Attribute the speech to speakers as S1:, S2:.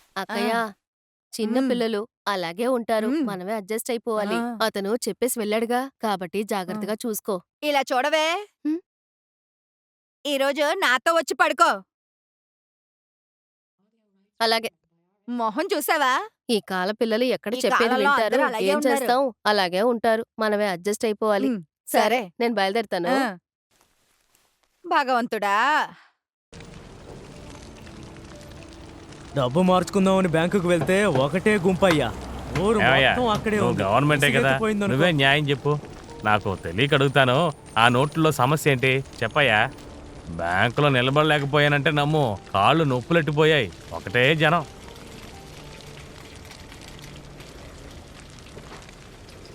S1: అక్కయ్య,
S2: ఆ!
S1: చిన్న
S2: హ్మ్.
S1: పిల్లలు అలాగే ఉంటారు.
S2: హ్మ్.
S1: మనమే అడ్జస్ట్
S2: ఆ!
S1: అయిపోవాలి. అతను చెప్పేసి వెళ్ళాడుగా, కాబట్టి
S2: ఆ!
S1: జాగ్రత్తగా చూసుకో.
S2: ఇలా చూడవే,
S1: హ్మ్.
S2: ఈరోజు నాతో వచ్చి పడుకో.
S1: అలాగే.
S2: మొహం చూసావా?
S1: ఈ కాల పిల్లలు ఎక్కడ
S2: ఈ
S1: చెప్పేది
S2: కాలంలో
S1: వింటారు?
S2: అందరూ అలాగే
S1: ఏం
S2: ఉన్నారు.
S1: చేస్తాం? అలాగే ఉంటారు. మనమే అడ్జస్ట్ అయిపోవాలి.
S2: హ్మ్.
S1: సరే,
S2: సరే.
S1: నేను బయలుదేరుతాను.
S2: ఆ! భగవంతుడా!
S3: డబ్బు మార్చుకుందామని బ్యాంకుకి వెళ్తే ఒకటే గుంపయ్యా. ఊరు
S4: ఏమయ్యా,
S3: మొత్తం అక్కడే
S4: నువ్వు
S3: ఉంది.
S4: గవర్నమెంటే కదా,
S3: విసిగెత్తిపోయిందనుకో.
S4: నువ్వే న్యాయం చెప్పు. నాకు తెలియక అడుగుతాను. ఆ నోట్లో సమస్య ఏంటి చెప్పయ్యా. బ్యాంకులో నిలబడలేకపోయానంటే నమ్ము, కాళ్ళు నొప్పులెట్టిపోయాయి. ఒకటే జనం.